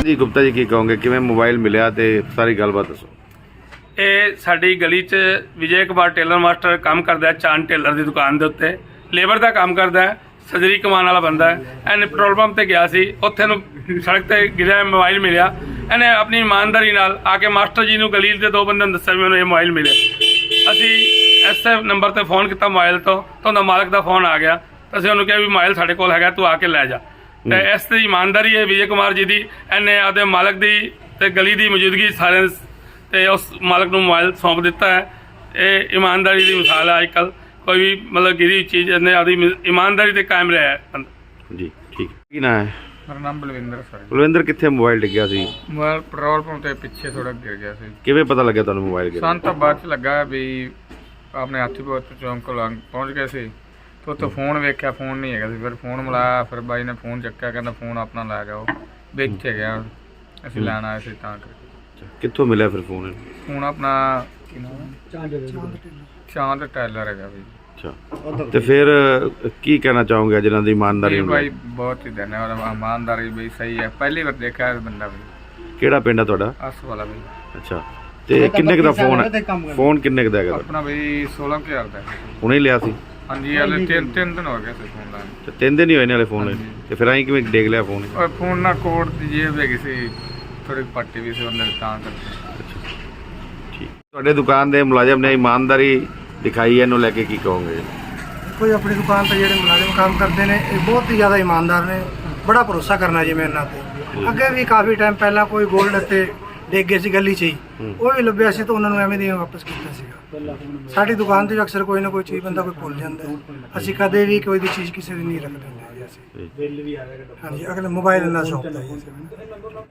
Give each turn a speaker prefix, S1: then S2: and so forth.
S1: जी गुप्ता जी की कहोगे कि मोबाइल मिलिया ते सारी गलबात दसो।
S2: ਇਹ ਸਾਡੀ ਗਲੀ 'ਚ ਵਿਜੇ ਕੁਮਾਰ ਟੇਲਰ ਮਾਸਟਰ ਕੰਮ ਕਰਦਾ ਹੈ। ਚਾਂਦ ਟੇਲਰ ਦੀ ਦੁਕਾਨ ਦੇ ਉੱਤੇ ਲੇਬਰ ਦਾ ਕੰਮ ਕਰਦਾ ਹੈ। ਸਰਜਰੀ ਕਮਾਉਣ ਵਾਲਾ ਬੰਦਾ ਹੈ। ਇਹਨੇ ਪੈਟਰੋਲ ਪੰਪ ਤੇ ਗਿਆ ਸੀ, ਉੱਥੇ ਨੂੰ ਸੜਕ ਤੇ ਗਿਰਿਆ ਮੋਬਾਈਲ ਮਿਲਿਆ। ਇਹਨੇ ਆਪਣੀ ਇਮਾਨਦਾਰੀ ਨਾਲ ਆ ਕੇ ਮਾਸਟਰ ਜੀ ਨੂੰ ਗਲੀ ਦੇ ਦੋ ਬੰਦਿਆਂ ਨੂੰ ਦੱਸਿਆ ਵੀ ਮੈਨੂੰ ਇਹ ਮੋਬਾਈਲ ਮਿਲਿਆ। ਅਸੀਂ ਐਸੇ ਨੰਬਰ ਤੇ ਫੋਨ ਕੀਤਾ ਮੋਬਾਈਲ ਤੋਂ, ਤਾਂ ਉਹਦਾ ਮਾਲਕ ਦਾ ਫੋਨ ਆ ਗਿਆ। ਅਸੀਂ ਉਹਨੂੰ ਕਿਹਾ ਵੀ ਮੋਬਾਈਲ ਸਾਡੇ ਕੋਲ ਹੈਗਾ, ਤੂੰ ਆ ਕੇ ਲੈ ਜਾ। ਤੇ ਇਸ ਦੀ ਇਮਾਨਦਾਰੀ ਹੈ ਵਿਜੇ ਕੁਮਾਰ ਜੀ ਦੀ। ਇਹਨੇ ਆਪਦੇ ਮਾਲਕ ਦੀ ਤੇ ਗਲੀ ਦੀ ਮੌਜੂਦਗੀ ਸਾਰਿਆਂ ਤੇ ਉਸ ਮਾਲਕ ਨੂੰ ਮੋਬਾਈਲ ਸੌਂਪ ਦਿੱਤਾ ਹੈ। ਇਹ ਇਮਾਨਦਾਰੀ ਦੀ ਮਿਸਾਲ ਹੈ। ਅੱਜ ਕੱਲ੍ਹ ਕੋਈ ਵੀ ਮਤਲਬ ਗਿਰੀ ਚੀਜ਼ ਨੇ ਆਪਦੀ ਇਮਾਨਦਾਰੀ ਤੇ ਕਾਇਮ ਰਿਹਾ ਹੈ ਬੰਦਾ।
S1: जी ठीक की ना है
S3: ਮੇਰਾ ਨਾਮ ਬਲਵਿੰਦਰ ਸਰ ਜੀ।
S1: बलविंदर कितने मोबाइल डिग्या सी
S3: ਮੋਬਾਈਲ ਪੈਟਰੋਲ ਪੰਪ ਦੇ ਪਿੱਛੇ ਥੋੜਾ ਗਿਰ ਗਿਆ ਸੀ।
S1: किवें पता लगे तुहानूं मोबाइल गिरा?
S3: ਸਾਨੂੰ ਤਾਂ ਬਾਅਦ ਚ ਲੱਗਾ ਵੀ ਆਪਣੇ ਹਾਥੀਪੁਰ ਚੌਂਕ ਕੋਲ ਪਹੁੰਚ ਗਏ ਸੀ ਤੇ ਉੱਥੇ ਫੋਨ ਵੇਖਿਆ, ਫੋਨ ਨਹੀਂ ਹੈਗਾ ਸੀ। ਫਿਰ ਫੋਨ ਮਿਲਾਇਆ, ਫਿਰ ਬਾਈ ਨੇ ਫੋਨ ਚੱਕਿਆ, ਕਹਿੰਦਾ ਫੋਨ ਆਪਣਾ ਲੈ ਜਾਓ, ਵਿੱਚ ਗਿਆ। ਅਸੀਂ ਲੈਣ ਆਏ ਸੀ ਤਾਂ ਕਰਕੇ।
S1: कित्थों मिलिया फिर फोन?
S3: ਹੁਣ ਆਪਣਾ ਕੀ ਨਾਮ ਹੈ? ਚਾਂਦ ਟੈਲਰ ਹੈਗਾ ਵੀ।
S1: अच्छा ਤੇ ਫਿਰ ਕੀ ਕਹਿਣਾ ਚਾਹੋਗੇ ਜਿਨ੍ਹਾਂ ਦੀ ਇਮਾਨਦਾਰੀ
S3: ਇਹ
S1: ਨੂੰ
S3: ਬਾਈ ਬਹੁਤ ਹੀ ਧੰਨਵਾਦ। ਇਮਾਨਦਾਰੀ ਬਈ ਸਹੀ ਹੈ। ਪਹਿਲੀ ਵਾਰ ਦੇਖਿਆ ਇਹ ਬੰਦਾ ਵੀ।
S1: ਕਿਹੜਾ ਪਿੰਡ ਹੈ ਤੁਹਾਡਾ?
S3: ਅਸ ਵਾਲਾ ਬਈ।
S1: ਅੱਛਾ ਤੇ ਕਿੰਨੇ ਕੁ ਦਾ ਫੋਨ ਹੈ? ਫੋਨ ਕਿੰਨੇ ਕੁ ਦਾ ਹੈਗਾ?
S3: ਆਪਣਾ ਬਈ 16,000 ਦਾ ਹੈ।
S1: ਹੁਣੇ ਲਿਆ ਸੀ?
S3: ਹਾਂਜੀ ਹਲੇ ਤਿੰਨ ਦਿਨ ਹੋ ਗਏ ਸੀ ਫੋਨ ਲੈਣ।
S1: ਤੇ 3 ਦਿਨ ਹੀ ਹੋਏ ਨੇ ਹਲੇ ਫੋਨ ਲੈਣ। ਤੇ ਫਿਰ ਐਂ ਕਿਵੇਂ ਡੇਗ ਲਿਆ ਫੋਨ?
S3: ਉਹ ਫੋਨ ਨਾਲ ਕੋਡ ਦੀ ਜੇਬ ਹੈਗੀ ਸੀ, ਥੋੜੀ ਪੱਟੀ ਵੀ ਸੀ ਉਹਨੇ ਤਾਂ ਕਰਕੇ।
S1: ਠੀਕ। ਤੁਹਾਡੇ ਦੁਕਾਨ ਦੇ ਮੁਲਾਜ਼ਮ ਨੇ ਇਮਾਨਦਾਰੀ ਦਿਖਾਈ ਹੈ, ਇਹਨੂੰ ਲੈ ਕੇ ਕੀ ਕਹੋਗੇ?
S4: ਕੋਈ ਆਪਣੀ ਦੁਕਾਨ ਤੇ ਜਿਹੜੇ ਮੁਲਾਜ਼ਮ ਕੰਮ ਕਰਦੇ ਨੇ ਇਹ ਬਹੁਤ ਹੀ ਜ਼ਿਆਦਾ ਇਮਾਨਦਾਰ ਨੇ। ਬੜਾ ਭਰੋਸਾ ਕਰਨਾ ਜੀ ਮੈਂ ਇਹਨਾਂ ਤੇ। ਅੱਗੇ ਵੀ ਕਾਫੀ ਟਾਈਮ ਪਹਿਲਾਂ ਕੋਈ ਗੋਲਡ ਤੇ ਡਿੱਗ ਗਏ ਸੀ ਗਲੀ 'ਚ ਹੀ, ਉਹ ਵੀ ਲੱਭਿਆ ਸੀ ਤਾਂ ਉਹਨਾਂ ਨੂੰ ਐਵੇਂ ਦੀ ਵਾਪਸ ਕੀਤਾ ਸੀਗਾ। ਸਾਡੀ ਦੁਕਾਨ ਤੇ ਅਕਸਰ ਕੋਈ ਨਾ ਕੋਈ ਚੀਜ਼ ਬੰਦਾ ਕੋਈ ਭੁੱਲ ਜਾਂਦਾ ਹੈ। ਅਸੀਂ ਕਦੇ ਵੀ ਕੋਈ ਵੀ ਚੀਜ਼ ਕਿਸੇ ਦੀ ਨਹੀਂ ਰੱਖਦੇ ਹੁੰਦੇ ਜੀ ਅਸੀਂ। ਹਾਂਜੀ ਅਗਲੇ ਮੋਬਾਈਲ ਨਾਲ ਸ਼ੌਪ ਦਾ ਜੀ ਅਸੀਂ।